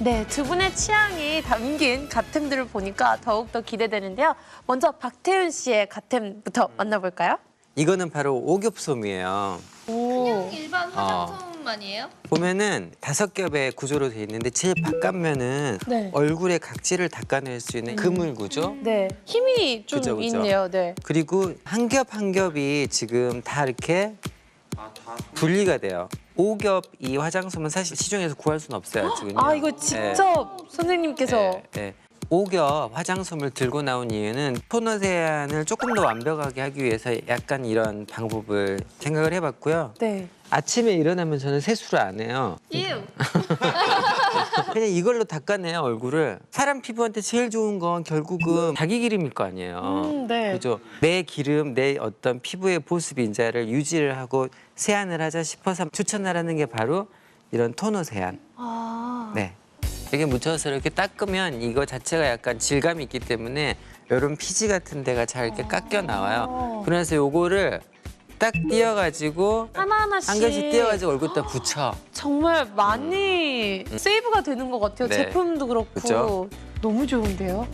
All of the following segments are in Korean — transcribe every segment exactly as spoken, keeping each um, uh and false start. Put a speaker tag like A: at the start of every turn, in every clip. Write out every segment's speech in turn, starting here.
A: 네, 두 분의 취향이 담긴 가템들을 보니까 더욱더 기대되는데요. 먼저 박태윤 씨의 가템부터 만나볼까요?
B: 이거는 바로 오겹솜이에요.
A: 오.
C: 일반 화장솜 아니에요?
B: 보면은 다섯 겹의 구조로 돼 있는데 제일 바깥면은
A: 네.
B: 얼굴의 각질을 닦아낼 수 있는 그물 구조.
A: 네, 힘이 좀
B: 그죠, 그죠.
A: 있네요. 네.
B: 그리고 한 겹 한 겹이 지금 다 이렇게 분리가 돼요. 오겹 이 화장솜은 사실 시중에서 구할 수는 없어요, 지금요.
A: 아, 이거 직접 선생님께서
B: 네, 네. 오겹 화장솜을 들고 나온 이유는 토너 세안을 조금 더 완벽하게 하기 위해서 약간 이런 방법을 생각을 해봤고요.
A: 네.
B: 아침에 일어나면 저는 세수를 안 해요.
C: 유.
B: 그냥 이걸로 닦아내요, 얼굴을. 사람 피부한테 제일 좋은 건 결국은 자기 기름일 거 아니에요.
A: 음, 네.
B: 그죠? 내 기름, 내 어떤 피부의 보습 인자를 유지를 하고 세안을 하자 싶어서 추천하라는 게 바로 이런 토너 세안.
A: 아.
B: 네. 이렇게 묻혀서 이렇게 닦으면 이거 자체가 약간 질감이 있기 때문에 이런 피지 같은 데가 잘 이렇게 깎여 나와요. 그래서 요거를 딱 띄어가지고
A: 하나하나씩
B: 한 개씩 띄어가지고 얼굴에다 붙여.
A: 정말 많이 세이브가 되는 것 같아요.
B: 네.
A: 제품도 그렇고.
B: 그쵸?
A: 너무 좋은데요?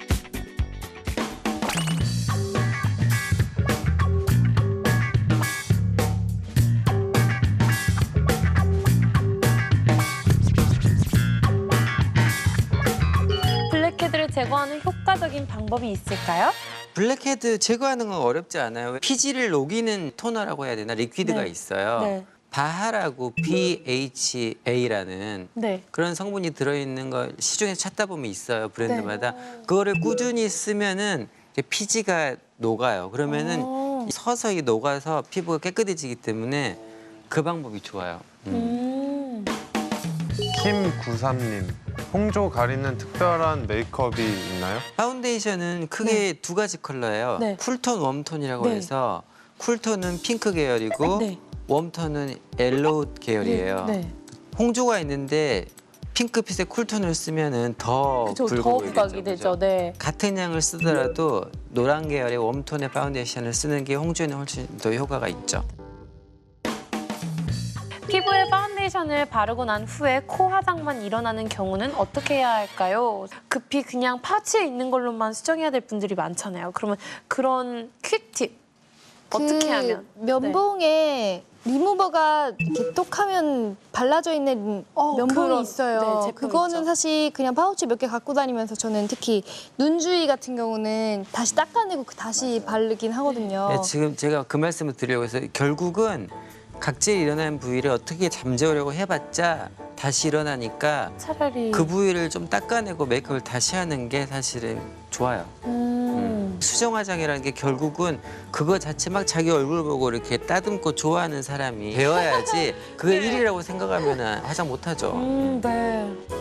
A: 블랙헤드를 제거하는 효과적인 방법이 있을까요?
B: 블랙헤드 제거하는 건 어렵지 않아요. 피지를 녹이는 토너라고 해야 되나? 리퀴드가
A: 네.
B: 있어요.
A: 네.
B: 바하라고 비 에이치 에이라는
A: 네.
B: 그런 성분이 들어있는 걸 시중에서 찾다 보면 있어요. 브랜드마다. 그거를 꾸준히 쓰면은 이제 피지가 녹아요. 그러면은
A: 오.
B: 서서히 녹아서 피부가 깨끗해지기 때문에 그 방법이 좋아요. 음.
A: 음.
D: 킴구삼 님, 홍조 가리는 특별한 메이크업이 있나요?
B: 파운데이션은 크게 두 가지 컬러예요.
A: 네.
B: 쿨톤, 웜톤이라고
A: 네.
B: 해서 쿨톤은 핑크 계열이고
A: 네.
B: 웜톤은 옐로우 계열이에요.
A: 네.
B: 홍조가 있는데 핑크빛의 쿨톤을 쓰면은 더
A: 그쵸,
B: 붉어
A: 더
B: 보이겠죠.
A: 부각이 되죠.
B: 그죠?
A: 네.
B: 같은 양을 쓰더라도 노란 계열의 웜톤의 파운데이션을 쓰는 게 홍조에는 훨씬 더 효과가 있죠.
A: 피부에 파운데이션을 바르고 난 후에 코 화장만 일어나는 경우는 어떻게 해야 할까요? 급히 그냥 파츠에 있는 걸로만 수정해야 될 분들이 많잖아요. 그러면 그런 퀵팁 어떻게
C: 그
A: 하면?
C: 면봉에 리무버가 이렇게 똑하면 발라져 있는
A: 어,
C: 면봉이
A: 그런,
C: 있어요.
A: 네, 제품
C: 그거는
A: 있죠.
C: 사실 그냥 파우치 몇 개 갖고 다니면서 저는 특히 눈주위 같은 경우는 다시 닦아내고 그 다시 바르긴 하거든요.
B: 네, 지금 제가 그 말씀을 드리려고 해서 결국은 각질이 일어나는 부위를 어떻게 잠재우려고 해봤자 다시 일어나니까
A: 차라리
B: 그 부위를 좀 닦아내고 메이크업을 다시 하는 게 사실은 좋아요.
A: 음.
B: 수정 화장이라는 게 결국은 그거 자체 막 자기 얼굴 보고 이렇게 따듬고 좋아하는 사람이 배워야지 그게 일이라고 생각하면 화장 못하죠.
A: 음, 네.